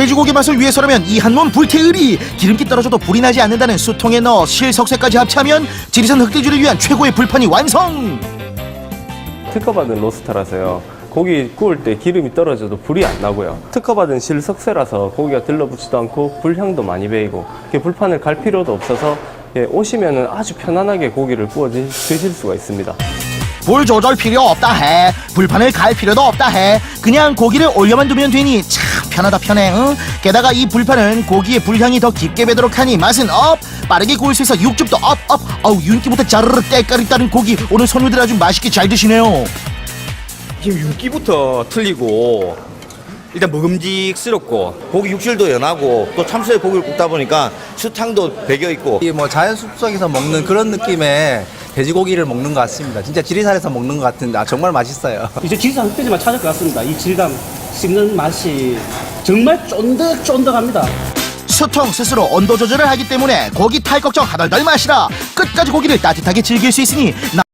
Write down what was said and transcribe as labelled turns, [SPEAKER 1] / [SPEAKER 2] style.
[SPEAKER 1] 돼지고기 맛을 위해서라면 이 한 몸 불태우리. 기름기 떨어져도 불이 나지 않는다는 수통에 넣어 실석쇠까지 합치하면 지리산 흑돼지를 위한 최고의 불판이 완성.
[SPEAKER 2] 특허받은 로스터라서요. 고기 구울 때 기름이 떨어져도 불이 안 나고요. 특허받은 실석쇠라서 고기가 들러붙지도 않고 불향도 많이 배이고 불판을 갈 필요도 없어서 오시면은 아주 편안하게 고기를 구워 드실 수가 있습니다.
[SPEAKER 1] 불 조절 필요 없다 해. 불판을 갈 필요도 없다 해. 그냥 고기를 올려만 두면 되니 참 편하다 편해. 응? 게다가 이 불판은 고기의 불향이 더 깊게 배도록 하니 맛은 업. 빠르게 구울 수 있어 육즙도 업. 어우 윤기부터 자르르 때깔이 따른 고기. 오늘 손님들 아주 맛있게 잘 드시네요.
[SPEAKER 3] 지금 윤기부터 틀리고 일단 먹음직스럽고 고기 육질도 연하고 또 참새에 고기를 굽다 보니까 수탕도 배겨있고
[SPEAKER 4] 이 뭐 자연 숲속에서 먹는 그런 느낌의 돼지고기를 먹는 것 같습니다. 진짜 지리산에서 먹는 것 같은데 정말 맛있어요.
[SPEAKER 5] 이제 지리산 흑돼지만 찾을 것 같습니다. 이 질감, 씹는 맛이 정말 쫀득쫀득합니다.
[SPEAKER 1] 수통 스스로 온도 조절을 하기 때문에 고기 탈 걱정 하덜덜 마시라. 끝까지 고기를 따뜻하게 즐길 수 있으니